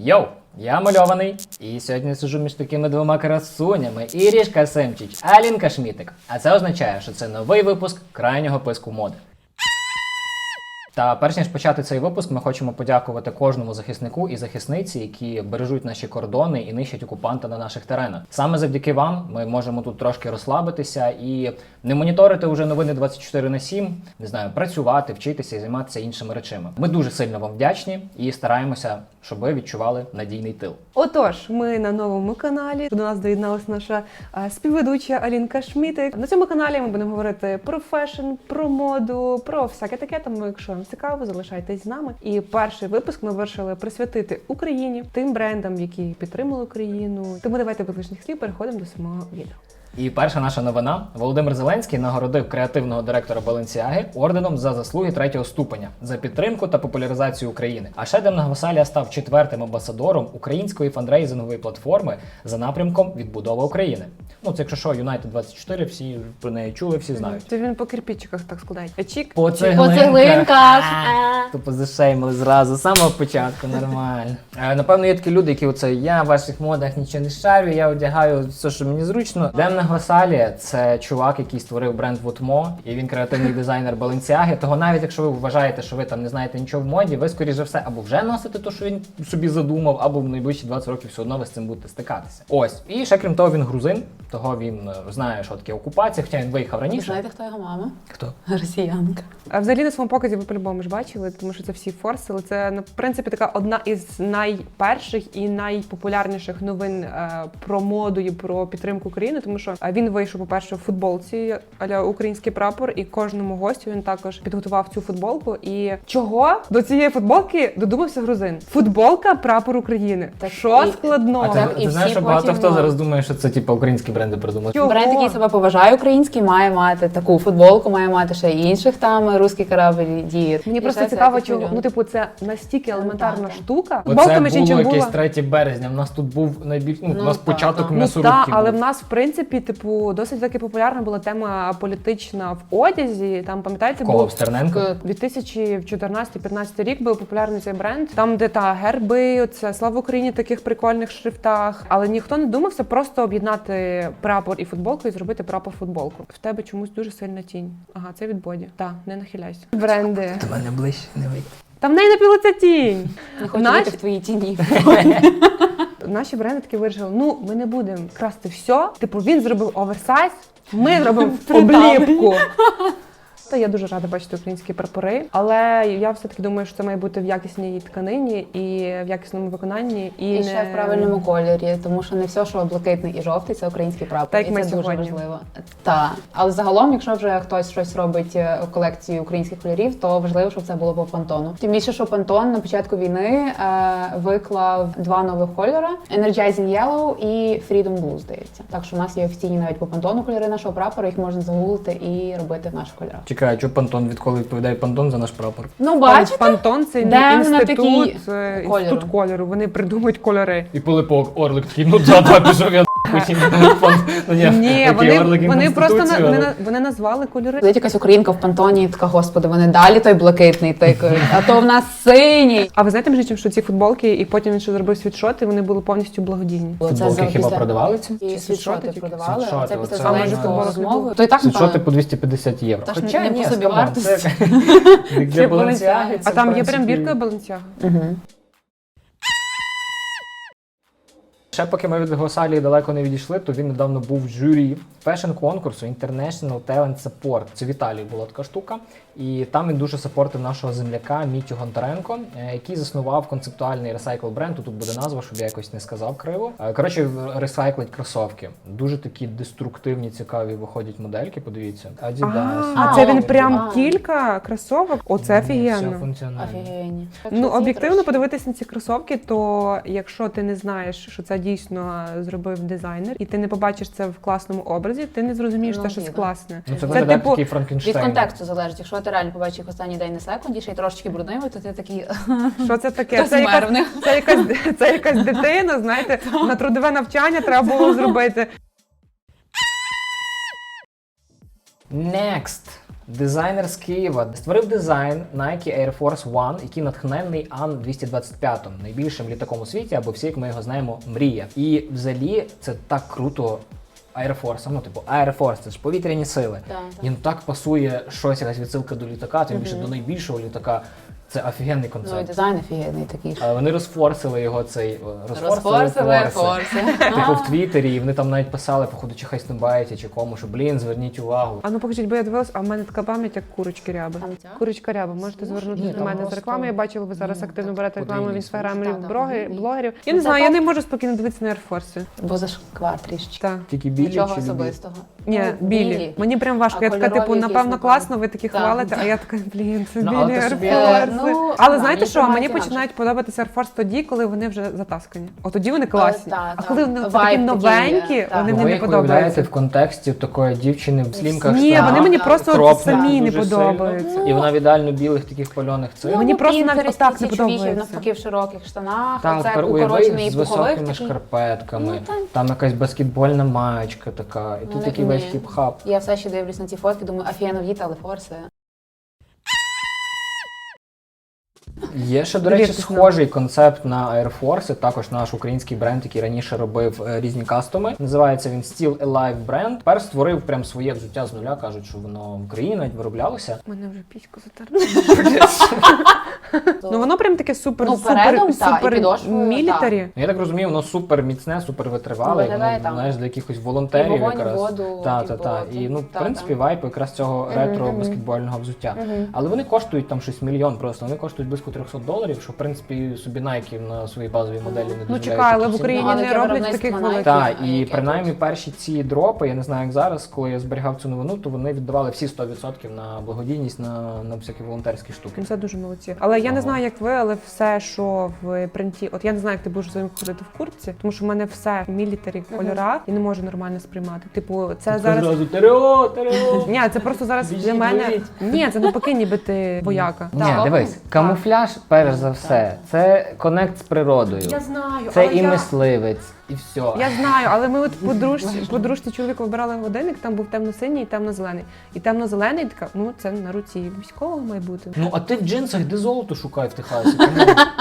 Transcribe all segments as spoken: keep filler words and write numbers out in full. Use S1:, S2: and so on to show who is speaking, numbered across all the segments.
S1: Йоу, я мальований, і сьогодні сиджу між такими двома красунями. Ірішка Семчич, Алінка Шмітик. А це означає, що це новий випуск крайнього писку моди. Та перш ніж почати цей випуск, ми хочемо подякувати кожному захиснику і захисниці, які бережуть наші кордони і нищать окупанта на наших теренах. Саме завдяки вам ми можемо тут трошки розслабитися і не моніторити вже новини двадцять чотири на сім, не знаю, працювати, вчитися і займатися іншими речами. Ми дуже сильно вам вдячні і стараємося, щоб ви відчували надійний тил.
S2: Отож, ми на новому каналі. До нас доєдналася наша а, співведуча Алінка Шмітик. На цьому каналі ми будемо говорити про фешн, про моду, про всяке таке. Тому, якщо вам цікаво, залишайтесь з нами. І перший випуск ми вирішили присвятити Україні, тим брендам, які підтримали Україну. Тому давайте без лишніх слів переходимо до самого відео.
S1: І перша наша новина. Володимир Зеленський нагородив креативного директора Balenciaga орденом за заслуги третього ступеня, за підтримку та популяризацію України. А ще Демна Гвасалія став четвертим амбасадором української фандрейзингової платформи за напрямком «Відбудова України». Ну, це якщо що, Юнайтед двадцять чотири, всі про неї чули, всі знають.
S2: Це він по кирпичиках так складає. Чік.
S1: По
S3: По цеглинках.
S1: Тупо зашеймили зразу, з самого початку, нормально. Е, Напевно, є такі люди, які оце, я в ваших модах нічого не шарю, я одягаю все, що мені зручно. Демна Гвасалія – це чувак, який створив бренд Вутмо, і він креативний дизайнер Balenciaga. Того навіть якщо ви вважаєте, що ви там не знаєте нічого в моді, ви, скоріше все, або вже носите те, що він собі задумав, або в найближчі двадцять років все одно ви з цим будете стикатися. Ось. І ще крім того, він грузин, того він знає, що таке окупація, хоча він виїхав
S3: Ви
S1: раніше.
S3: знаєте, хто його мама?
S1: Хто?
S3: Росіянка.
S2: А взагалі на своєму показі ви по-любому ж бачили, тому що це всі форсили. Це, в принципі, така одна із найперших і найпопулярніших новин е, про моду і про підтримку України, тому що е, він вийшов, по-перше, в футболці а-ля український прапор, і кожному гостю він також підготував цю футболку. І чого до цієї футболки додумався грузин? Футболка прапор України.
S3: Так
S2: що
S3: і-
S2: складного?
S1: А ти,
S3: Так, і
S1: ти знаєш,
S3: всі
S1: що багато
S3: потім-
S1: хто зараз думає, що це типу українські бренди придумали.
S2: Чого?
S3: Бренд, який себе поважає український, має мати таку футболку, має мати ще й інших там русський корабль діє.
S2: Мені
S3: І
S2: просто
S3: ще це
S2: цікаво,
S3: якийсь
S2: чого,
S3: мільйон.
S2: ну типу, це настільки елементарна
S3: так, так.
S2: штука.
S1: Оце
S2: Футболка, між
S1: було
S2: іншим,
S1: якесь
S2: була.
S1: третє березня, в нас тут був найбільш, ну,
S3: Ну,
S1: у нас
S3: так,
S1: початок
S3: так.
S2: Ну
S1: м'ясорубки
S2: так, але
S1: був.
S2: в нас, в принципі, типу, досить таки популярна була тема політична в одязі. Там, пам'ятаєте,
S1: Кого,
S2: був
S1: в Стерненко?
S2: дві тисячі чотирнадцятий-п'ятнадцятий рік був популярний цей бренд. Там, де та герби, оце слава Україні в таких прикольних шрифтах. Але ніхто не думався просто об'єднати прапор і футболку і зробити прапор-футболку. В тебе чомусь дуже сильна тінь. Ага, це від Боді. Так, не нахиляйся. Бренди.
S1: До мене ближче не вийти.
S2: Там в неї напілиться тінь.
S3: Не хочу
S2: Наші-
S3: бути в твоїй тіні.
S2: Наші бренди таки вирішили, ну, ми не будемо красти все. Типу, він зробив оверсайз, ми зробимо обліпку. Та я дуже рада бачити українські прапори, але я все-таки думаю, що це має бути в якісній тканині і в якісному виконанні. І,
S3: І
S2: не...
S3: ще в правильному кольорі, тому що не все, що блакитний і жовтий, це український прапор.
S2: Так, як
S3: і
S2: ми
S3: це дуже
S2: сьогодні.
S3: важливо. Так. Але загалом, якщо вже хтось щось робить е, у колекції українських кольорів, то важливо, щоб це було по Пантону. Тим більше, що Пантон на початку війни е, виклав два нових кольори: Energizing Yellow і Freedom Blue, здається. Так що у нас є офіційні навіть по Пантону кольори нашого прапора, їх можна загуглити і робити в наших кольорах.
S1: Чекай, а чого Пантон, відколи відповідає Пантон за наш прапор?
S3: Ну,
S2: Пан-
S3: бачите?
S2: Пантон – це
S3: Де вона
S2: інститут,
S3: такий
S2: е,
S3: кольору?
S2: інститут кольору. Вони придумують кольори.
S1: І Пилипок, Орлик такий, ну да, да, пішов я хотів. Ну,
S2: Ні, вони, вони просто на, вони, на- вони назвали кольори.
S3: Сидить якась українка в Пантоні і така, господи, вони далі той блакитний тикають, а то в нас синій.
S2: А ви знаєте, між іншим, що ці футболки, і потім він ще зробив світшоти, вони були повністю благодійні.
S1: Футболки хіба продавали ці?
S3: І
S2: світшоти
S3: світшоти
S2: тільки?
S3: продавали,
S1: Світшоти,
S3: а це після
S1: оце
S3: Зеленського
S2: можна.
S3: розмови. То і так,
S1: Світшоти
S3: напевно.
S1: по двісті п'ятдесят євро.
S3: Та ж
S1: Хоча
S3: не
S1: ні,
S3: по собі
S1: скамон,
S3: вартості.
S1: це як для
S3: Для
S1: Balenciaga.
S3: Balenciaga.
S1: це,
S2: А там
S1: в
S2: є прям
S1: принципі,
S2: бірка Balenciaga.
S3: Угу.
S1: Ще поки ми від Гвасалії далеко не відійшли, то він недавно був в журі фешн-конкурсу International Talent Support. Це в Італії була така штука. І там він дуже сапортив нашого земляка Мітю Гонтаренко, е, який заснував концептуальний ресайкл бренд. Тут буде назва, щоб я якось не сказав криво. Е, Коротше, ресайклить кросовки. Дуже такі деструктивні, цікаві виходять модельки, подивіться. Adidas.
S2: А,
S3: А,
S2: це він
S3: о,
S2: прям
S3: а.
S2: кілька кросовок? Оце
S1: Все
S2: офігенно.
S1: функціонально.
S3: Офігенні.
S2: Ну, об'єктивно подивитись на ці кросовки, то якщо ти не знаєш, що це дійсно зробив дизайнер, і ти не побачиш це в класному образі, ти не зрозумієш,
S3: Ну,
S2: те, щось
S3: ні, да.
S2: класне.
S1: Ну, це
S2: Це,
S1: виглядає
S2: типу,
S1: такий
S3: Від
S1: Франкенштейн.
S3: контексту залежить. Якщо ти реально побачиш їх останній день на секунді, ще й трошечки бруднивий, то ти такий
S2: Що це таке?
S3: хтось
S2: Це
S3: вмер
S2: якась,
S3: в них.
S2: це, якась, це якась дитина, знаєте, на трудове навчання треба було зробити.
S1: Next! Дизайнер з Києва створив дизайн Nike Air Force One, який натхнений Ан двісті двадцять п'ять, найбільшим літаком у світі, або всі, як ми його знаємо, мрія. І взагалі це так круто. Air Force, ну типу Air Force, це ж повітряні сили.
S3: Так, так.
S1: Їм так пасує щось, якась відсилка до літака, тим більше до найбільшого літака. Це офігенний
S3: Ну і
S1: концепт.
S3: дизайн офігенний такий.
S1: Але вони розфорсили його цей
S3: Розфорсили форси.
S1: Типу в Твіттері, і вони там навіть писали, походу, чи Хайстенбайті, чи кому, що блін, зверніть увагу.
S2: А ну покажіть, бо я дивилась, а в мене така пам'ять, як курочки ряби.
S3: Там ця?
S2: Курочка ряба, можете звернутися
S1: Ні,
S2: до
S1: там
S2: мене з
S1: просто-
S2: реклами. Я бачила, ви зараз
S1: Ну,
S2: активно
S1: так,
S2: берете рекламу в
S1: подвійний
S2: інстаграмі
S3: смисл. Так,
S2: блогерів.
S3: так,
S2: блогерів. Я
S3: Ну,
S2: не
S3: це
S2: знаю, я
S3: так.
S2: не можу спокійно дивитися на Air Force.
S3: Бо зашквар трішечки.
S2: Так.
S1: Тільки білі
S3: Нічого
S1: чи любі?
S3: особистого.
S2: Ні,
S3: Ну,
S2: білі. Мені прям важко.
S3: А
S2: Я така, типу,
S3: кольорові якісь,
S2: напевно,
S3: напевно.
S2: класно, ви такі
S3: Так.
S2: хвалите, а я така, блін, це
S1: Ну,
S2: білі
S1: але ти
S2: Air
S1: собі-
S2: Force.
S3: Е, ну,
S2: Але
S3: да,
S2: знаєте
S3: мені
S2: що, мені
S3: тримається
S2: починають подобатися Air Force тоді, коли вони вже затаскані. От тоді вони класні.
S3: та,
S2: А
S3: та.
S2: коли вони такі
S3: Вайб такий
S2: новенькі,
S3: є, та.
S2: вони
S1: Ви
S2: мені не
S1: їх уявляєте
S2: подобаються.
S1: в контексті такої дівчини в слімках
S2: Ні,
S1: штанах,
S2: вони мені просто от
S1: кропнуті
S2: самі не
S1: дуже сильно,
S2: подобаються.
S1: І вона в ідеально білих таких пальоних цих.
S2: Ну, Мені просто навіть
S3: Pinterest
S2: отак не
S3: ці чоловіки
S2: подобається.
S3: навпаки в широких штанах,
S1: Так,
S3: а це
S1: тепер
S3: укорочений
S1: уяви з
S3: пуховик
S1: високими
S3: такий.
S1: шкарпетками,
S3: Ну, так.
S1: там якась баскетбольна маєчка така, і
S3: Ну,
S1: тут
S3: не-
S1: такий весь
S3: ні.
S1: хіп-хап.
S3: Я все ще дивлюсь на ці фотки, думаю, офігенно в'їти, але форси.
S1: Є ще, до речі,
S2: Довіртесь нам.
S1: схожий концепт на Air Force, також наш український бренд, який раніше робив е, різні кастоми. Називається він Still Alive бренд. Тепер створив прям своє взуття з нуля, кажуть, що воно в Україні навіть вироблялося.
S2: Мене вже піську затерли. Ну воно прям таке супер,
S3: Ну,
S2: супер,
S3: передом, та, і
S2: супер
S3: підошвою,
S2: мілітарі.
S1: Ну, я так розумію, воно супер міцне, супер витривале,
S3: Ну, виглядає
S1: воно,
S3: там.
S1: знаєш, для якихось
S3: І
S1: волонтерів
S3: вогонь, і
S1: якраз.
S3: воду,
S1: Та,
S3: типу,
S1: та, та. І, ну, в
S3: та,
S1: принципі,
S3: та.
S1: вайп якраз цього
S3: Мгм,
S1: ретро
S3: мгм.
S1: баскетбольного взуття.
S3: Мгм.
S1: Але вони коштують там щось мільйон просто, вони коштують близько триста доларів, що, в принципі, собі Nike на своїй базовій моделі не
S2: Ну
S1: дозволяють.
S2: чекай, але
S1: такі
S2: в
S1: ціни.
S2: Україні
S3: Ну, але
S2: не
S3: таке
S2: роблять
S3: виробництво
S2: таких
S3: Nike.
S2: великих.
S1: Так,
S3: А
S1: і
S3: яке
S1: принаймні
S3: тут?
S1: перші ці дропи, я не знаю, як зараз, коли я зберігав цю новину, то вони віддавали всі сто відсотків на благодійність, на, на всякі волонтерські штуки.
S2: Ну, це дуже молодці. Але я не
S1: Ага.
S2: знаю, як ви, але все, що в принті, от я не знаю, як ти будеш своїм ходити в куртці, тому що в мене все в мілітарі в кольорах і не можу нормально сприймати. Типу, це зараз.
S1: Зразу терео, терео.
S2: Ні, це просто зараз
S1: Біжіть,
S2: для мене.
S1: беріть.
S2: Ні, це навпаки, ніби ти вояка.
S1: Ні,
S3: Так.
S1: дивись, камуфляж, перш за все, це конект з природою.
S2: Я знаю,
S1: Це
S2: але
S1: і
S2: я...
S1: мисливець, і все.
S2: Я знаю, але ми от подружці, подружці чоловіка вибирали годинник, там був темно-синій і темно-зелений. І темно-зелений така, ну це на руці військового має бути.
S1: Ну, а ти в джинсах де золото шукай в Техасі? Кому?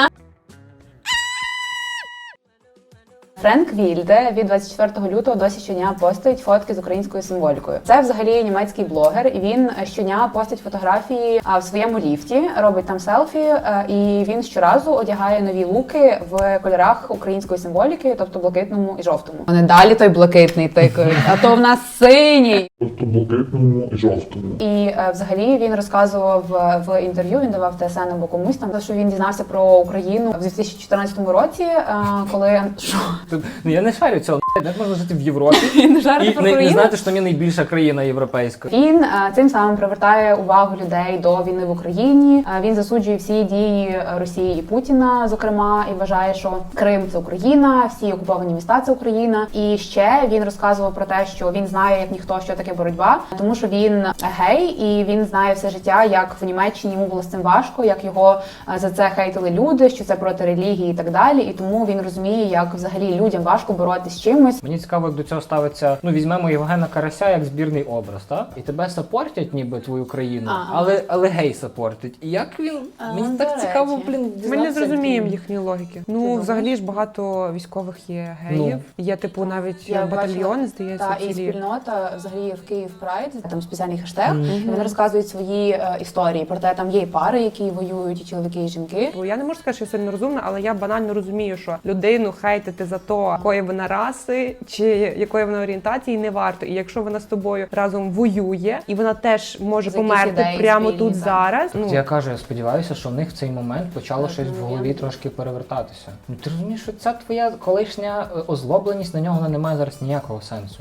S3: Френк Вільде від двадцять четвертого лютого досі щодня постить фотки з українською символікою. Це взагалі німецький блогер, і він щодня постить фотографії а, в своєму ліфті, робить там селфі, а, і він щоразу одягає нові луки в кольорах української символіки, тобто блакитному і жовтому. Вони далі той блакитний тикають, а то в нас синій.
S4: Тобто блакитному і жовтому.
S3: І е, взагалі він розказував е, в інтерв'ю, він давав ТСН або комусь там, що він дізнався про Україну в дві тисячі чотирнадцятому році, е, коли що?
S1: Тут- Ну я не шарю цього, як можна жити в Європі
S3: Він жарти
S1: і
S3: про
S1: не, не
S3: Україну?
S1: знати, що там є найбільша країна європейська.
S3: Він е, цим самим привертає увагу людей до війни в Україні. Е, Він засуджує всі дії Росії і Путіна, зокрема, і вважає, що Крим це Україна, всі окуповані міста це Україна. І ще він розказував про те, що він знає як ніхто, що таке боротьба, тому що він гей, і він знає все життя, як в Німеччині йому було з цим важко, як його е, за це хейтили люди, що це проти релігії і так далі. І тому він розуміє, як взагалі людям важко боротися з чимось.
S1: Мені цікаво, як до цього ставиться. Ну, візьмемо Євгена Карася як збірний образ, так? І тебе сапортять, ніби твою країну,
S3: Ага.
S1: але, але гей сапортить. І як він.
S3: А,
S1: Мені
S3: до
S1: так
S3: речі.
S1: цікаво, блін,
S2: Ми не
S1: дізнатися,
S2: зрозуміємо
S1: як він-
S2: їхньої логіки.
S3: Ти
S2: Ну,
S3: думаєш?
S2: взагалі ж багато військових є геїв. Є типу навіть
S3: Я
S2: батальйон,
S3: бачила,
S2: здається,
S3: та, і
S2: цілі.
S3: спільнота взагалі в Київ Прайд, там спеціальний хештег,
S1: Мгм.
S3: і вони розказують свої е, історії. Проте там є і пари, які воюють, і чоловіки, і жінки.
S2: Бо я не можу сказати, що я сильно розумна, але я банально розумію, що людину хейтити за то, якої вона раси чи якої вона орієнтації, не варто. І якщо вона з тобою разом воює, і вона теж може
S3: За якісь
S2: померти
S3: ідеї
S2: прямо
S3: спільні,
S2: тут
S3: так.
S2: зараз. Ну
S1: Я кажу, я сподіваюся, що в них в цей момент почало
S3: Так,
S1: щось
S3: ну,
S1: в голові
S3: я-
S1: трошки перевертатися. Ну ти розумієш, що ця твоя колишня е, озлобленість на нього вона не має зараз ніякого сенсу.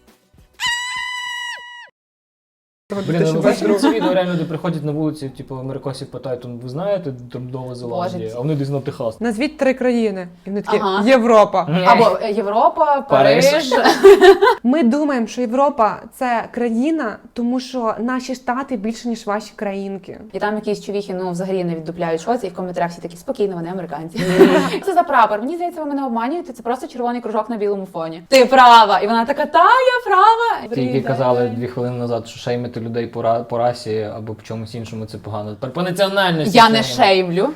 S1: Блін, ну бачите це відео реально, де приходять на вулиці, типу америкосів питають, «Ну, ви знаєте, там Нова Зеландія,
S3: Боже,
S1: а вони десь на Техас.
S2: назвіть три країни, і вони такі
S3: Ага.
S2: Європа.
S3: Або е, Європа,
S1: Париж.
S3: Париж.
S2: Ми думаємо, що Європа це країна, тому що наші штати більше ніж ваші країнки.
S3: І там якісь чувіхи, ну взагалі не віддупляють щось, і в коментарях всі такі спокійно, вони американці. Це за прапор. Мені здається, ви мене обманюєте. Це просто червоний кружок на білому фоні. Ти права. І вона така, та я права.
S1: Ті, які казали дві хвилини назад, що шеймити шеймити людей по, ра- по расі або по чомусь іншому, це погано. Тепер по національності.
S3: Я не
S1: шеймимо.
S3: шеймлю.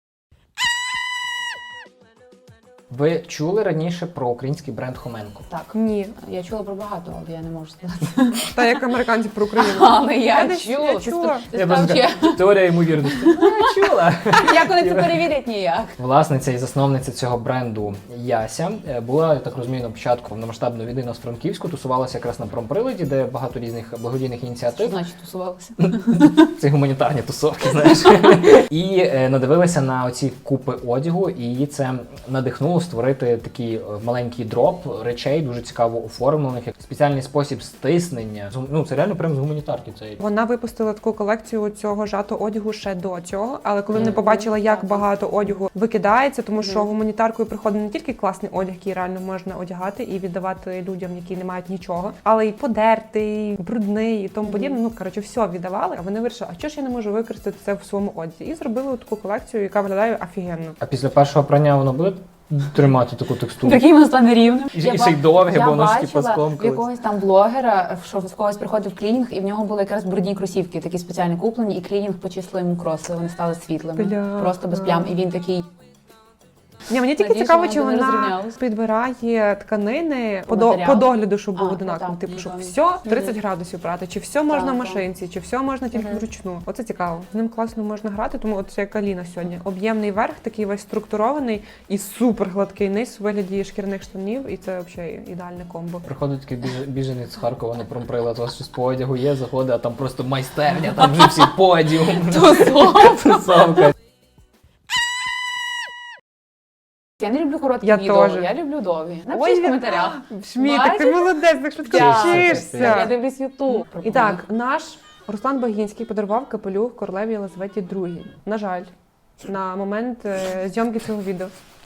S1: Ви чули раніше про український бренд Хоменко?
S3: Так.
S2: Ні.
S3: Я чула про багато, але я не можу сказати.
S2: Та як американці про Україну.
S3: Але я,
S2: Я десь-
S3: чула.
S2: я чула.
S3: Ти
S1: Я
S3: став
S1: просто
S3: чи-
S1: кажу, теорія ймовірності. Ну, я чула.
S3: Як вони це перевірять ніяк?
S1: Власниця і засновниця цього бренду Яся е, була, я так розумію, на початку повномасштабної війни на Франківську, тусувалася якраз на промприладі, де багато різних благодійних
S3: Що
S1: ініціатив.
S3: значить тусувалися?
S1: Це гуманітарні тусовки, знаєш. І е, надивилася на оці купи одягу, і її це надихнуло створити такий е, маленький дроп речей, дуже цікаво оформлених, як спеціальний спосіб стиснення. З- Ну, це реально прямо з гуманітарки. Це
S2: Вона випустила таку колекцію цього жатого одягу ще до цього, але коли не
S1: Мгм.
S2: побачила, як багато одягу викидається, тому що гуманітаркою приходить не тільки класний одяг, який реально можна одягати і віддавати людям, які не мають нічого, але й подертий, брудний і тому подібне. Ну коротше, все віддавали. А вони вирішили, а чого ж я не можу використати це в своєму одязі? І зробили таку колекцію, яка виглядає офігенно.
S1: А після першого прання воно буде тримати таку текстуру?
S3: Такий воно стане рівним.
S1: І-
S3: Я
S1: і ще й
S3: ба-
S1: довге,
S3: я
S1: бо воно ж типу
S3: бачила
S1: скомкалось.
S3: в якогось там блогера, що в когось приходив клінінг, і в нього були якраз брудні кросівки, такі спеціально куплені, і клінінг почислив йому кроси, вони стали світлими.
S2: Бля.
S3: Просто без плям. І він такий.
S2: Ні, мені тільки
S3: Надіюсь,
S2: цікаво,
S3: вона
S2: чи
S3: не
S2: вона
S3: розрівнялась.
S2: підбирає тканини по,
S3: По
S2: до,
S3: матеріалу?
S2: по догляду, щоб було
S3: А,
S2: одинаково.
S3: так,
S2: Типу, щоб
S3: напевно.
S2: все тридцять градусів брати, чи все можна
S3: Так,
S2: в
S3: так.
S2: машинці, чи все можна тільки вручну. Оце цікаво. З ним класно можна грати, тому от це як Аліна сьогодні. Об'ємний верх, такий весь структурований і супер гладкий низ у вигляді шкіряних штанів, і це взагалі ідеальне комбо.
S1: Приходить такий біж- біженець з Харкова на промприлад, у вас щось по одягу є, заходить, а там просто майстерня, там вже всі подіум. Тусовка.
S3: Я не люблю короткі
S2: Я
S3: відео,
S2: теж.
S3: я люблю довгі.
S2: Ой,
S3: Напишіть в
S2: я-
S3: коментарях.
S2: Шмітик, ти
S3: Бачиш?
S2: молодець, так швидко
S3: Дякую. Я
S2: вчишся.
S3: дивлюсь Ютуб.
S2: І так, наш Руслан Багінський подарував капелюх королеві Єлизаветі другій. На жаль, на момент е, зйомки цього відео.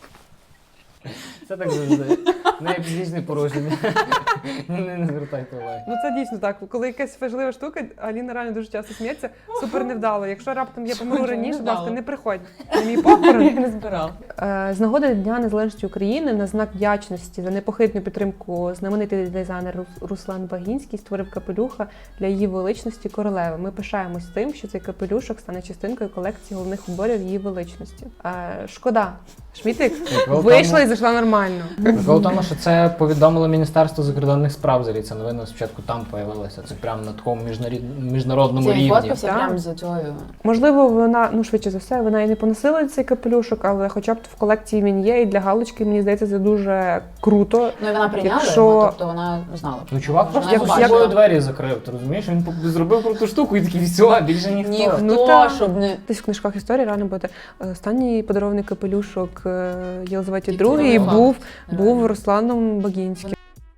S1: Це так завжди. Не фізичне порушення. Не, не звертайте уваги.
S2: Ну це дійсно так. Коли якась важлива штука, Аліна реально дуже часто сміється, супер невдало. Якщо раптом я помру
S3: Супер
S2: раніше, будь ласка,
S3: невдало.
S2: не приходь. На мій похорон.
S3: Я не збирав.
S2: Е, З нагоди Дня Незалежності України на знак вдячності за непохитну підтримку знаменитий дизайнер Рус- Руслан Багінський створив капелюха для її величності королеви. Ми пишаємось тим, що цей капелюшок стане частинкою колекції головних уборів її величності. Е, Шкода. Шмітик
S1: Прикол в
S2: вийшла
S1: тому-
S2: і зайшла нормально.
S1: Прикол в тому, що це повідомило Міністерство закордонних справ, взагалі ця новина спочатку там появилася. Це прямо на такому міжнарід- міжнародному
S3: Це
S1: рівні.
S3: фоткався
S2: Так.
S3: прямо з цією.
S2: Можливо, вона, ну швидше за все, вона і не поносила цей капелюшок, але хоча б в колекції він є, і для галочки, мені здається, це дуже круто.
S3: Ну і вона прийняла
S2: Якщо-
S3: його, тобто вона знала.
S1: Ну, чувак просто
S3: Як-
S1: з
S3: як-
S1: собою двері закрив, ти розумієш? Він по- зробив круту штуку і такий, все, більше ніхто.
S3: Ніхто,
S2: Ну, та.
S3: щоб не...
S2: Десь в книжках історії реально буде е, останній подарований капелюшок е, Єлизаветі
S3: І
S2: другій
S3: це
S2: був,
S3: реально.
S2: був Русланом Багінським.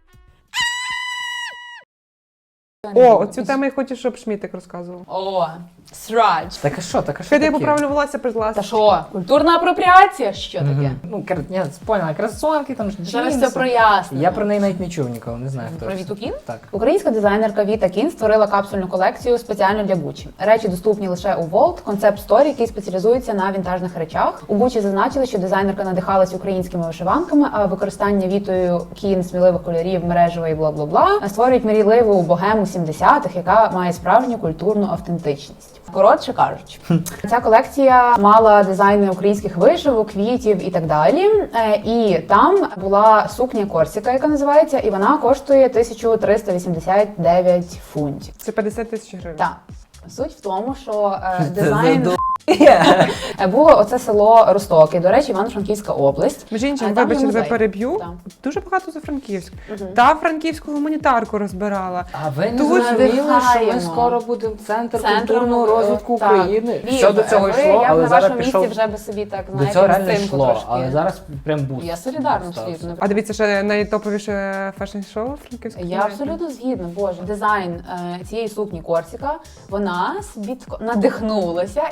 S2: О, оцю тему я хочу, щоб Шмітик розказував.
S3: О, срач.
S1: Так а що, так а що
S2: Хай я
S1: таке?
S2: поправлю волосся, будь ласка.
S3: Та що, культурна апропріація? Що таке?
S1: Мгм. Ну, кар... я поняла, кросовки, там ж
S3: Зараз
S1: джинси.
S3: все прояснено.
S1: Я про неї навіть не чув ніколи, не знаю хто.
S3: Про
S1: це.
S3: Віту Кін?
S1: Так.
S3: Українська дизайнерка Віта Кін створила капсульну колекцію спеціально для Гуччі. Речі доступні лише у Волт, концепт сторі, який спеціалізується на вінтажних речах. У Гуччі зазначили, що дизайнерка надихалась українськими вишиванками, а використання Вітою Кін сміливих кольорів, мережево і бла-бла-бла створюють мрійливу богему сімдесятих, яка має справжню культурну автентичність. Коротше кажучи, ця колекція мала дизайни українських вишивок, квітів і так далі. Е, І там була сукня Корсіка, яка називається, і вона коштує тисяча триста вісімдесят дев'ять фунтів.
S2: Це п'ятдесят тисяч гривень.
S3: Так. Суть в тому, що е, дизайн Е, було оце село Ростоки, до речі, Івано-Франківська область.
S2: Між іншим,
S3: А там є
S2: вибачте, за
S3: музей.
S2: переб'ю.
S3: Там.
S2: Дуже багато за Франківськ.
S3: Мгм.
S2: Та франківську гуманітарку розбирала.
S1: А ви не
S2: Тут
S1: зрозуміли, що ми
S3: надихаємо.
S1: скоро будемо центр
S3: Центром,
S1: культурного розвитку
S3: так.
S1: України?
S3: Вів,
S1: Все до цього
S3: ви,
S1: йшло,
S3: я б
S1: але
S3: на
S1: зараз
S3: вашому
S1: пішов...
S3: місці вже би собі так,
S1: До
S3: знаєте,
S1: цього реально
S3: цим
S1: йшло,
S3: потрошки.
S1: але зараз прям буст.
S3: Я солідарна
S1: стався.
S3: абсолютно.
S2: А дивіться, ще найтоповіше фешн-шоу франківського.
S3: Я абсолютно згідна, боже. Дизайн е, цієї сукні Корсіка, вона собі тако надихнулася і з тим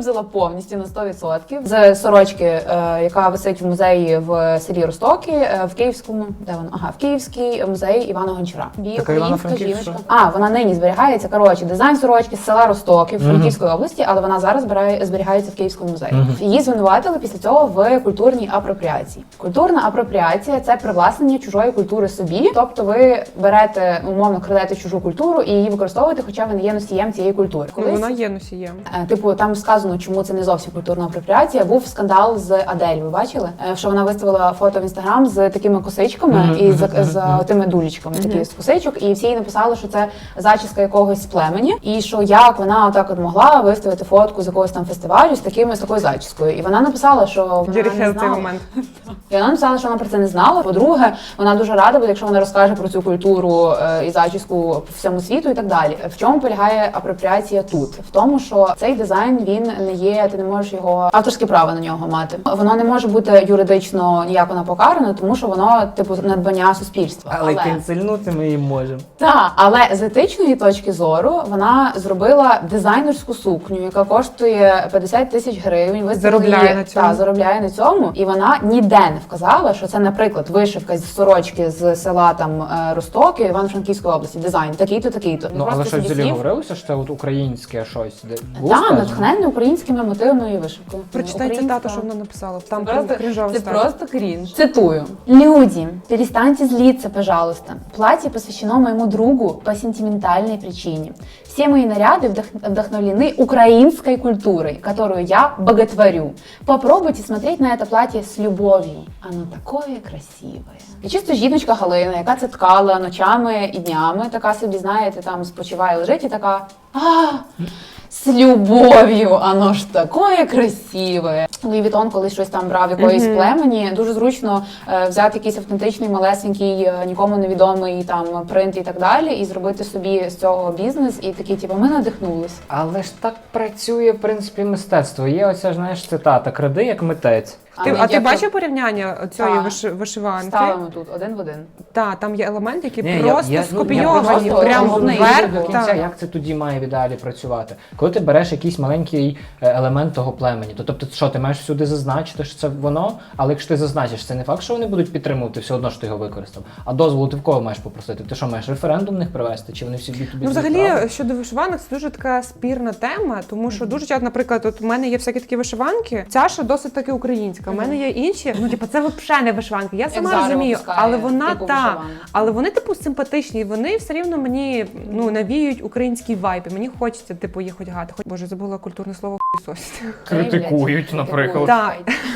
S3: вивозила повністю на сто відсотків з сорочки, е, яка висить в музеї в селі Ростокі, е, в Київському, де вона? Ага, в Київський музей Івана Гончара. Її
S1: Така
S3: українська
S1: Івано-Франківська?
S3: жіночка. А, вона нині зберігається. Коротше, дизайн сорочки з села Ростоки в Франківської області, але вона зараз збирає, зберігається в Київському музеї.
S1: Мгм.
S3: Її звинуватили після цього в культурній апропріації. Культурна апропріація – це привласнення чужої культури собі, тобто ви берете, умовно, крадете чужу культуру і її використовуєте, хоча ви не є носієм цієї культури.
S2: Ну, вона є носієм.
S3: Е, Типу, там сказано, чому це не зовсім культурна апропріація. Був скандал з Адель. Ви бачили? Е, Що вона виставила фото в інстаграм з такими косичками
S1: Мгм,
S3: і з,
S1: мгм,
S3: з
S1: мгм.
S3: тими дулічками, такі з косичок, і всі їй написали, що це зачіска якогось з племені, і що як вона отак от могла виставити фотку з якогось там фестивалю з такими з такою зачіскою. І вона написала, що вона
S2: Джері
S3: не
S2: Хейл цей
S3: знала.
S2: момент.
S3: І вона написала, що вона про це не знала. По-друге, вона дуже рада буде, якщо вона розкаже про цю культуру е, і зачіску по всьому світу і так далі. В чому полягає апропріація тут? В тому, що цей дизайн він не є, ти не можеш його авторське право на нього мати. Воно не може бути юридично ніяк вона покарано, тому що воно типу надбання суспільства.
S1: Але кінцельнути ми її можемо.
S3: Так, але з етичної точки зору вона зробила дизайнерську сукню, яка коштує п'ятдесят тисяч гривень. Виставила
S2: Заробляє
S3: її-
S2: на цьому.
S3: Та, заробляє на цьому. І вона ніде не вказала, що це, наприклад, вишивка з сорочки з села там е, Ростоки, Івано-Франківської області. Дизайн такий-то, такий-то.
S1: Ну, але
S3: Просто
S1: щось
S3: собі
S1: взагалі
S3: сів.
S1: говорилося, що це от українське щось. Де було
S3: Так,
S1: сказано?
S3: натхненне українськими мотивною вишивкою.
S2: Прочитай
S3: Українська.
S2: цитату, що вона написала. Там
S3: Це просто,
S2: крінжова
S3: це
S2: стаття.
S3: просто крінж. Цитую. «Люди, перестаньте злиться, пожалуйста. Платье посвящено моему другу по сентиментальной причине. Все мои наряды вдох- вдохновлены украинской культурой, которую я боготворю. Попробуйте смотреть на это платье с любовью. Оно такое красивое». І чисто жіночка Галина, яка це ткала ночами і днями, така собі, знаєте, там спочиває, лежить і така «А, з любов'ю, оно ж таке красиве». Луї Вітон, коли щось там брав якоїсь
S2: Мгм.
S3: племені, дуже зручно е, взяти якийсь автентичний, малесенький, е, нікому невідомий там принт і так далі, і зробити собі з цього бізнес, і такі, типу, ми надихнулись.
S1: Але ж так працює, в принципі, мистецтво. Є оця, знаєш, цитата «кради як митець».
S2: Ти,
S3: Але
S2: а ти
S3: як
S2: бачив порівняння цієї
S3: Так.
S2: виш, вишиванки?
S3: ставимо тут один в один.
S2: Так, там є елементи, які
S1: Ні, я-
S2: просто
S1: я- ну, я
S2: скопійовані,
S3: просто
S2: прямо
S3: розумію,
S2: вверх.
S3: до
S1: до кінця,
S2: так.
S1: як це тоді має в ідеалі працювати. Коли ти береш якийсь маленький е, елемент того племені, то тобто, що ти маєш всюди зазначити, що це воно, але якщо ти зазначиш, це не факт, що вони будуть підтримувати, все одно що ти його використав. А дозволу ти в кого маєш попросити? Ти що, маєш референдум в них привести? Чи вони всі тобі
S2: Ну, взагалі, щодо вишиванок, це дуже така спірна тема, тому що дуже часто, наприклад, от у мене є всякі такі вишиванки, ця ще досить таки українська. У мене є інші, ну типу, це взагалі не вишиванки. Я сама
S3: Зара
S2: розумію,
S3: випускає
S2: але вона
S3: таку
S2: та,
S3: вишиванку.
S2: але вони типу симпатичні, і вони все рівно мені ну навіють український вайб. І мені хочеться типу їх одягати. Хоч боже, забула культурне слово хуйсосість.
S1: Критикують, наприклад.
S2: Так.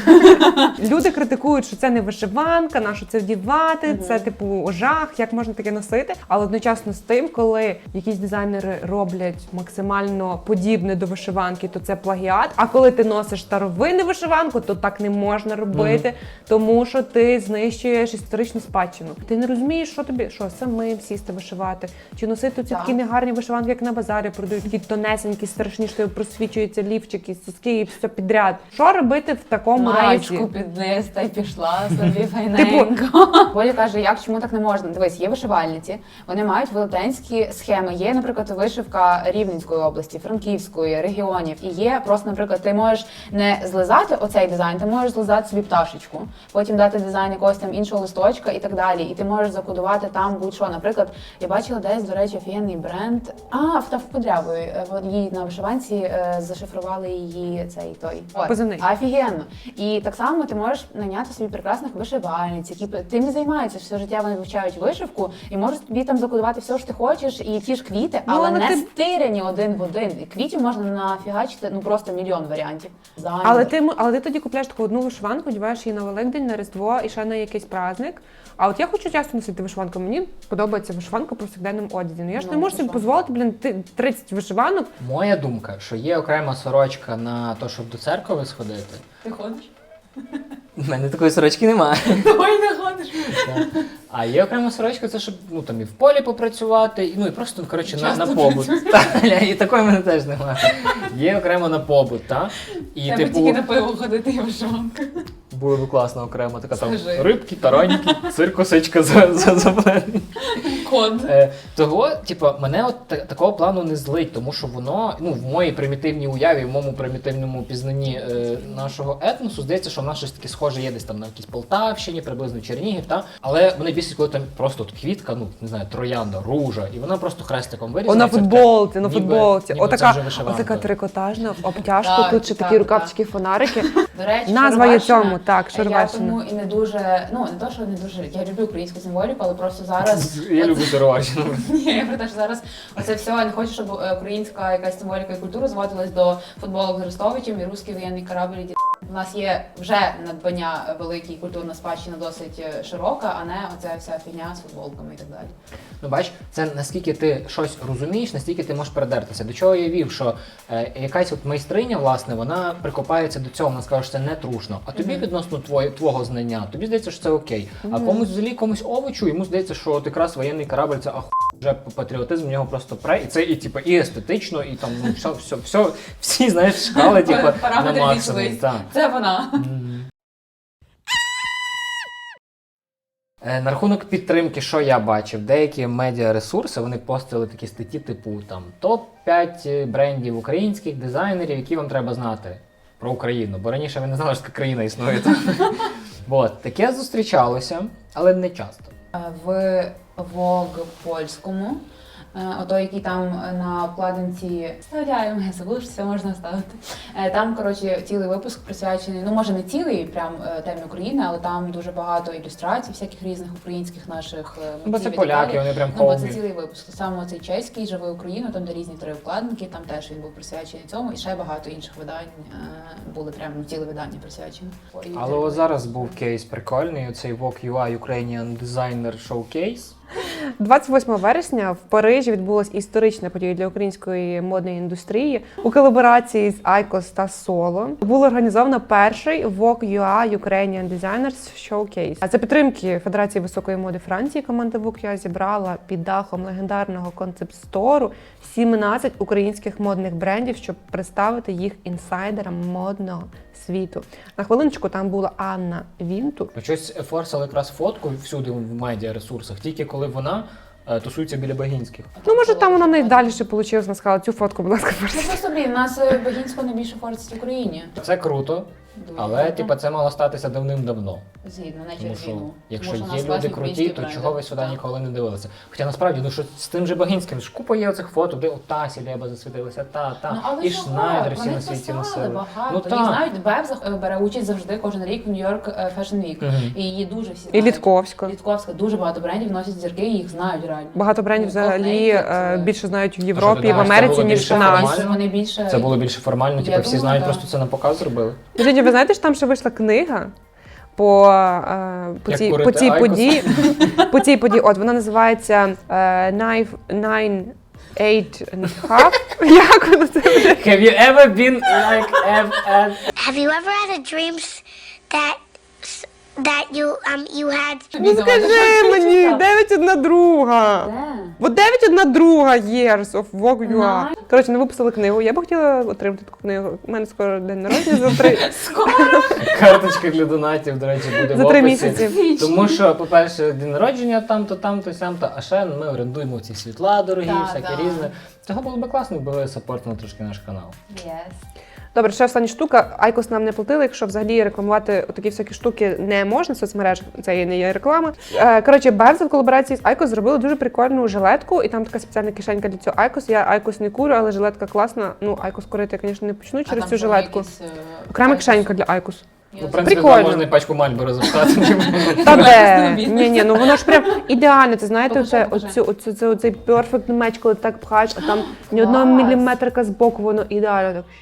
S2: Люди критикують, що це не вишиванка, на що це вдівати, це типу жах, як можна таке носити. Але одночасно з тим, коли якісь дизайнери роблять максимально подібне до вишиванки, то це плагіат. А коли ти носиш старовинну вишиванку, то так не можна робити, тому що ти знищуєш історичну спадщину. Ти не розумієш, що тобі, що самим сісти вишивати, чи носити ці
S3: Так.
S2: такі негарні вишиванки, як на базарі продають, такі тонесенькі, страшні, що просвічуються лівчики, соски і все підряд. Що робити в такому
S3: Маєчку
S2: разі?
S3: під низ та й пішла собі файненько. Боля каже, як, чому так не можна? Дивись, є вишивальниці, вони мають велетенські схеми. Є, наприклад, вишивка Рівненської області, Франківської, регіонів. І є просто, наприклад, ти можеш не злизати оцей дизайн, ти можеш злизати собі пташечку, потім дати дизайн якогось там іншого листочка і так далі. І ти можеш закодувати там будь-що. Наприклад, я бачила десь, до речі, офігенний бренд. А, в Подрябої. Її на вишиванці е, зашифрували її цей той. От.
S2: Позивний.
S3: Офігенно. І так само ти можеш найняти собі прекрасних вишивальниць, які тим і займаються все життя. Вони вивчають вишивку і можуть тобі там закодувати все, що ти хочеш, і ті ж квіти,
S2: Ну,
S3: але
S2: але
S3: не
S2: ти-
S3: стиряні один в один. І квітів можна нафігачити ну просто мільйон варіантів. Зайві.
S2: Але ти, м- але ти тоді купляєш таку одну вишиванку, одягаєш її на Великдень, на Різдво і ще на якийсь праздник. А от я хочу часто носити вишиванку. Мені подобається вишиванка в повсякденному одязі. Ну я ж
S3: Ну,
S2: не можу собі
S3: що?
S2: дозволити, блін, ти- тридцять вишиванок.
S1: Моя думка, що є окрема сорочка на те, щоб до церкви сходити.
S3: Ти ходиш?
S1: У мене такої сорочки немає.
S3: Ой, не ходиш.
S1: А є окрема сорочка, це щоб ну там і в полі попрацювати, і ну і просто коротше на, на
S3: Часто
S1: побут. Та, ля, і такої в мене теж немає. Є окремо на побут, та? І
S3: Треба
S1: типу
S3: тільки на пиво ходити і вишиванка.
S1: було б класно окремо така там
S3: Скажи.
S1: рибки, тараньки, циркосичка за за, за
S3: Код.
S1: Е, того, типу, мене от та- такого плану не злить, тому що воно, ну, в моїй примітивній уяві, в моєму примітивному пізнанні е, нашого етносу, здається, що в нас щось таке схоже є десь там на якійсь Полтавщині, приблизно Чернігів, та? Але мене бісить, коли там просто от квітка, ну, не знаю, троянда, ружа, і вона просто хрестиком
S2: О,
S1: вирізана.
S2: на
S1: і це таке,
S2: футболці, на
S1: ніби-
S2: футболці.
S1: ніби це
S2: Отака,
S1: вже вишиванка.
S2: отака трикотажна в обтяжку,
S3: Так,
S2: тут ще
S3: так,
S2: такі рукавчики, фонарики.
S3: До речі,
S2: Назва є
S3: Шароварщина,
S2: цьому, так,
S3: Я
S2: Шароварщина.
S3: тому і не дуже, ну не то, що не дуже. Я люблю українську символіку, але просто зараз.
S1: Я люблю Шароварщину.
S3: Ні, я про те, що зараз оце все, я не хочу, щоб е, українська якась символіка і культура зводилась до футболок з Арестовичем і русський воєнний корабль. і ді- У нас є вже надбання великі, культурна спадщина досить е, широка, а не оця вся фігня з футболками і так далі.
S1: Ну, бач, це наскільки ти щось розумієш, настільки ти можеш передертися. До чого я вів, що е, якась от майстриня, власне, вона прикопається до цього, вона скаже, що це не трушно. А тобі відносно твоє, твого знання, тобі здається, що це окей. А комусь взагалі, комусь овочу, йому здається, що от якраз воєнний корабль це аху, вже патріотизм в нього просто пре, і це і типу, і естетично, і там ну, все, все, все, всі, знаєш, шкали, типу, на
S3: Параметри
S1: максимум.
S3: зійшлись.
S1: Так.
S3: Це вона.
S1: Е, На рахунок підтримки, що я бачив, деякі медіаресурси, вони постили такі статті типу там топ п'ять брендів українських дизайнерів, які вам треба знати про Україну. Бо раніше ви не знали, що така країна існує. От, таке зустрічалося, але не часто.
S3: Е, В Vogue польському, е, ото який там на обкладинці вставляємо, я забула, що це можна ставити. Е, Там, коротше, цілий випуск присвячений, ну може не цілий прям е, темі України, але там дуже багато ілюстрацій, всяких різних українських наших е,
S1: Бо це
S3: мотивів і
S1: поляки,
S3: так далі.
S1: вони прям
S3: Ну, бо це
S1: холмі.
S3: цілий випуск. Саме цей чеський «Живи Україну», там де різні три вкладинки, там теж він був присвячений цьому, і ще багато інших видань е, були прям ну, ціле видання присвячені. І
S1: Але ось зараз був кейс прикольний, оцей Vogue ю ай Ukrainian Designer Showcase.
S2: двадцять восьмого вересня в Парижі відбулася історична подія для української модної індустрії у колаборації з Айкос та Соло. Було організовано перший Vogue ю ай Ukrainian Designers Showcase. А за підтримки Федерації високої моди Франції команда Vogue ю ай зібрала під дахом легендарного концепт-стору сімнадцять українських модних брендів, щоб представити їх інсайдерам модного світу. На хвилиночку там була Анна Вінтур.
S1: Щось форсили якраз фотку всюди в медіаресурсах, тільки коли вона е, тусується біля Багінських.
S2: Ну, може, там вона найдальше вийшла, вона сказала, цю фотку, будь ласка,
S3: Ну
S2: форсіть.
S3: просто, блін, у нас е, Багінського найбільше форсить в Україні.
S1: Це круто,
S3: Дуже
S1: але
S3: круто.
S1: типу, це мало статися давним-давно.
S3: Згідно, не
S1: Тому
S3: через
S1: що
S3: війну.
S1: якщо
S3: Тому що у
S1: є
S3: нас класні
S1: люди круті,
S3: українські
S1: то
S3: бренди.
S1: чого ви сюди
S3: Так.
S1: ніколи не дивилися? Хоча насправді, ну що з тим же Багінським, ж купа є оцих фото, де ота Сілеба засвітилася, та, та,
S3: Ну, але
S1: і
S3: чого?
S1: Шнайдер всі
S3: Вони
S1: на світі
S3: писали
S1: носили.
S3: багато.
S1: Ну,
S3: Їх
S1: так.
S3: знають, Бев зах- бере участь завжди кожен рік в Нью-Йорк е, Fashion Week.
S1: Мгм.
S3: І її дуже всі
S2: І
S3: знають.
S2: Літковська.
S3: Літковська. Дуже багато брендів носять зірки, і їх знають реально.
S2: Багато брендів
S3: Ну,
S2: взагалі
S3: Cold Naked,
S2: е,
S3: е,
S2: більше знають в
S1: що,
S2: Європі,
S1: ти
S2: в
S1: думаєш, це
S2: Америці,
S1: було
S2: ніж
S1: більше
S2: в нас.
S1: формально?
S3: Вони більше...
S1: Це було більше формально,
S3: Я
S1: типу всі
S3: думаю,
S1: знають,
S3: так.
S1: просто це на показ зробили.
S2: Скажіть, ви знаєте, що там ще вийшла книга по, е, по,
S1: Як
S2: цій,
S1: курити
S2: по цій
S1: айкос?
S2: події? По цій події, от вона називається е, Nine, Nine, Eight and Half. Як воно це?
S1: Have you ever been like F F?
S5: Have you ever had a dream s- that s- that you um you had
S2: Ну скажи мені, дев'ять одна друга. От дев'ять одна друга years of Vogue ю ай.
S3: Nice.
S2: Коротше, не виписали книгу. Я б хотіла отримати таку книгу. У мене скоро день народження за три,
S1: Карточка для донатів, до речі, буде
S2: за
S1: в
S2: три
S1: описі.
S2: місяці.
S1: Тому що, по-перше, день народження там-то, там-то, сям-то, а ще ми орендуємо ці світла дорогі,
S3: Так,
S1: всяке
S3: так.
S1: різне. Цього було б класно, якби ви саппортили трошки наш канал.
S3: Yes.
S2: Добре, ще остання штука. Айкос нам не платили, якщо взагалі рекламувати такі всякі штуки не можна в соцмережах, це не є реклама. Е, Коротше, Бевза в колаборації з Айкос зробили дуже прикольну жилетку, і там така спеціальна кишенька для цього Айкос. Я Айкос не курю, але жилетка класна. Ну, Айкос курити я, звісно, не почну через цю жилетку. Окрема кишенька для Айкос.
S1: Ну, в принципі,
S2: Прикольно.
S1: там можна і пачку Мальборо запхати.
S2: Та
S3: Якісний
S2: де?
S3: бізнес.
S2: Ні, ні, ну воно ж прям ідеально. Це знаєте,
S3: Покажи,
S2: оце,
S3: покажи.
S2: оцю, оцю, оцю, оцей перфект меч, коли так пхаєш, а там ні одного
S3: Клас.
S2: міліметрика з боку, воно ідеально так.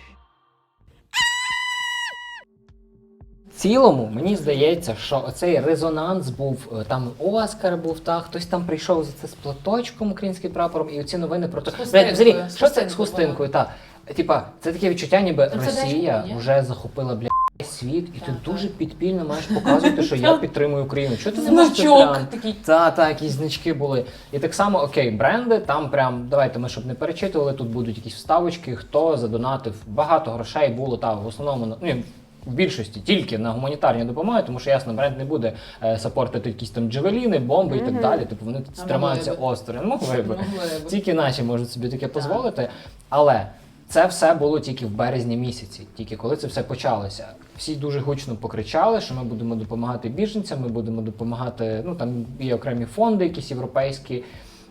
S1: В цілому, мені здається, що оцей резонанс був, е, там Оскар був, та, хтось там прийшов за це з платочком українським прапором, і оці новини про те,
S3: хустинкою,
S1: Блядь, взагалі,
S3: з
S1: що це з
S3: хустинкою,
S1: хустинкою, так. Типа, це таке відчуття, ніби
S3: Ну, це
S1: Росія
S3: дешево, ні?
S1: вже захопила, бля, світ, і ти
S3: Так,
S1: дуже
S3: так.
S1: підпільно маєш показувати, що я підтримую Україну. Чого ти не можеш це
S3: Значок
S1: прям?
S3: такий.
S1: Та, та, якісь значки були. І так само, окей, бренди, там прям, давайте ми, щоб не перечитували, тут будуть якісь вставочки, хто задонатив, багато грошей було, та, в основному, ну, в більшості тільки на гуманітарні допомоги, тому що, ясно, бренд не буде е, сапортити якісь там джевеліни, бомби і так далі. Типу вони
S3: А
S1: тримаються
S3: могли би.
S1: осторонь. Могли б.
S3: Могли б.
S1: Тільки наші можуть собі таке дозволити. Але це все було тільки в березні місяці, тільки коли це все почалося. Всі дуже гучно покричали, що ми будемо допомагати біженцям, ми будемо допомагати, ну там є окремі фонди, якісь європейські.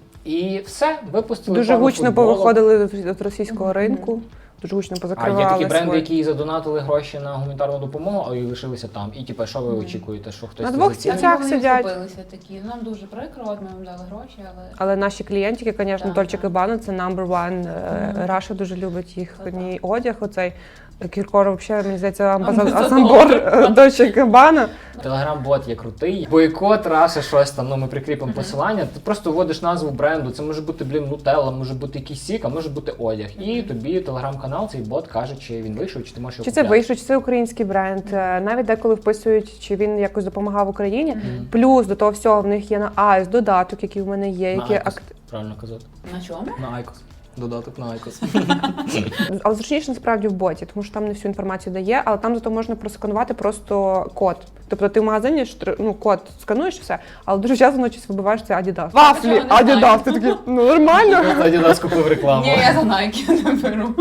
S1: І все, випустили
S2: Дуже
S1: пару
S2: гучно
S1: футболок.
S2: повиходили від російського ринку, дуже гучно
S1: А
S2: позакривали
S1: є такі бренди,
S2: свої.
S1: які задонатили гроші на гуманітарну допомогу, а і лишилися там. І типу, що ви очікуєте, що хтось
S2: На
S1: це
S2: двох
S1: зацінить?
S2: стільцях
S3: Вони
S2: сидять.
S3: вхопилися такі. Нам дуже прикро, от ми вам дали гроші, але
S2: Але наші клієнтики, звісно,
S3: Так,
S2: Dolce
S3: так.
S2: Gabbana, це number one. Е, Раша дуже любить їхній одяг. Оцей Кіркор, взагалі, мені здається, амбасадор
S3: Амбасадор.
S2: Dolce Gabbana.
S1: Телеграм-бот є крутий. Бойкот, Раша, щось там, ну ми прикріпимо посилання. Ти просто вводиш назву бренду. Це може бути, блін, нутелла, може бути якийсь сік, а може бути одяг. І тобі телеграм-канал, цей бот каже, чи він вийшов, чи ти можеш його
S2: Чи це
S1: купляти.
S2: вийшло, чи це український бренд. Е, Навіть деколи вписують, чи він якось допомагав Україні. Плюс до того всього в них є на Айс додаток, який в мене є,
S1: На
S2: який
S1: Айкос,
S2: акт...
S1: правильно казати.
S3: на чому?
S1: На Айкос. Додаток на Айкос.
S2: Але зручніше насправді в боті, тому що там не всю інформацію дає, але там зато можна просканувати просто код. Тобто ти в магазині штр- ну, код скануєш і все, але дуже часто ночі вибиваєш це Adidas. Вафлі,
S3: чого не знаю?
S2: Adidas, ти такий, ну нормально.
S1: Тоді нас купив рекламу.
S3: Ні, я за Nike не беру.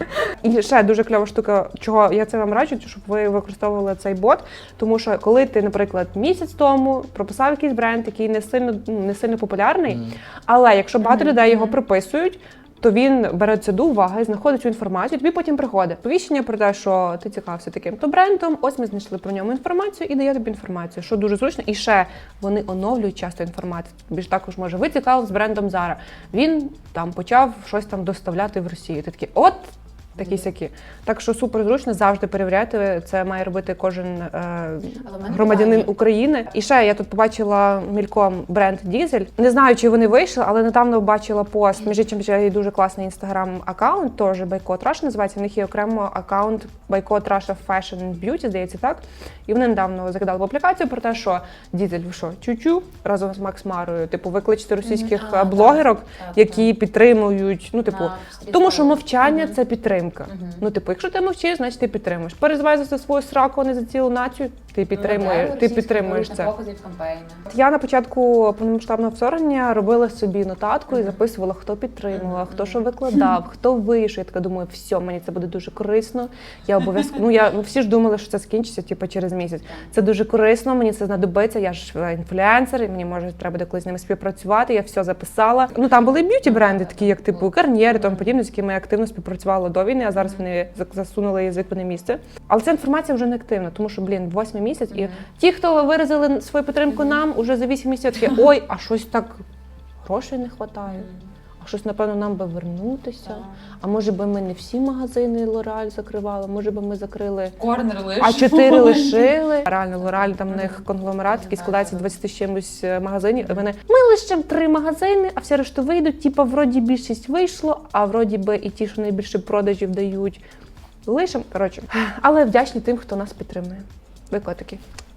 S2: І ще дуже кльова штука, чого я це вам раджу, щоб ви використовували цей бот, тому що коли ти, наприклад, місяць тому прописав якийсь бренд, який не сильно, ну, не сильно популярний, але якщо багато людей його приписують, то він бере це до уваги, знаходить цю інформацію, тобі потім приходить повіщення про те, що ти цікавився таким-то брендом, ось ми знайшли про ньому інформацію і дає тобі інформацію, що дуже зручно. І ще вони оновлюють часто інформацію. Тобі ж також може, ви цікавились з брендом Zara. Він там почав щось там доставляти в Росію. Ти такий, от, такі сякі. Так що супер зручно, завжди перевіряти. Це має робити кожен е,
S3: Але в мене
S2: громадянин
S3: питання.
S2: України. І ще я тут побачила мільком бренд Дізель. Не знаю, чи вони вийшли, але недавно бачила пост. Між іншим, ще є дуже класний інстаграм-аккаунт, теж Бойкот Раша називається. В них є окремо аккаунт Бойкот Раша Fashion and Beauty, здається, так. І вони недавно закидали в аплікацію про те, що Дізель, ви що, чу-чу, разом з Макс Марою, типу, викличте російських
S3: А,
S2: е, блогерок,
S3: так, так,
S2: які підтримують, ну, типу,
S3: На стрічках.
S2: тому що мовчання
S3: Мгм.
S2: це підтримка. Ну, типу, якщо ти мовчиш, значить ти підтримуєш. Переживаєш за свою сраку, а не за цілу націю, ти підтримуєш, ти підтримуєш це.
S3: Показів кампейна.
S2: Я на початку повномасштабного вторгнення робила собі нотатку і записувала, хто підтримував, хто що викладав, хто вийшов. Я така думаю, все, мені це буде дуже корисно. Я обов'язково, ну я ну, всі ж думали, що це скінчиться типу, через місяць. Це дуже корисно, мені це знадобиться. Я ж е, інфлюенсер, і мені може треба буде колись з ними співпрацювати. Я все записала. Ну там були б'юті бренди, такі як типу Garnier і тому подібне, з якими я активно співпрацювала до війни, а зараз вони зак- засунули язик в одне місце. Але ця інформація вже не активна, тому що, блін, восьмий місяць, і ті, хто виразили свою підтримку нам, уже за вісім місяців такі, ой, а щось так грошей не вистачає. А щось, напевно, нам би вернутися. А може би ми не всі магазини Лореаль закривали, може би ми закрили
S3: Корнер лиш.
S2: а чотири лишили. Реально, Лореаль, там в них конгломерат, який складається з двадцяти з чимось е, магазинів. І вони, ми лишимо три магазини, а всі решта вийдуть. Типа, вроді більшість вийшло, а вроді би і ті, що найбільше продажів дають, лишимо. Коротше, але вдячні тим, хто нас підтримує. Ви котики.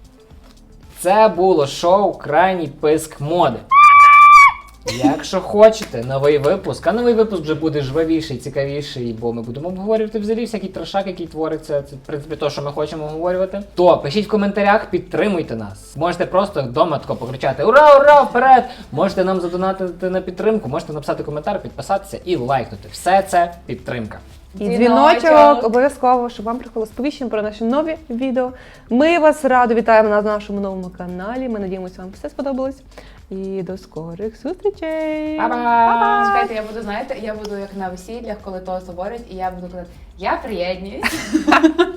S1: Це було шоу Крайній писк моди. Якщо хочете новий випуск, а новий випуск вже буде жвавіший, цікавіший, бо ми будемо обговорювати взагалі всякий трешак, який твориться, це в принципі те, що ми хочемо обговорювати, то пишіть в коментарях, підтримуйте нас. Можете просто вдома тако покричати «Ура, ура, вперед!» Можете нам задонатити на підтримку, можете написати коментар, підписатися і лайкнути. Все це підтримка.
S2: І
S3: Дзвіночок.
S2: дзвіночок обов'язково, щоб вам приходило сповіщення про наші нові відео. Ми вас радо вітаємо на нашому новому каналі. Ми надіємося, вам все сподобалось. І до скорих зустрічей!
S1: Па-па!
S3: Чекайте, я буду, знаєте, я буду як на весіллях, коли тост говорять, і я буду казати, я приєднуюсь.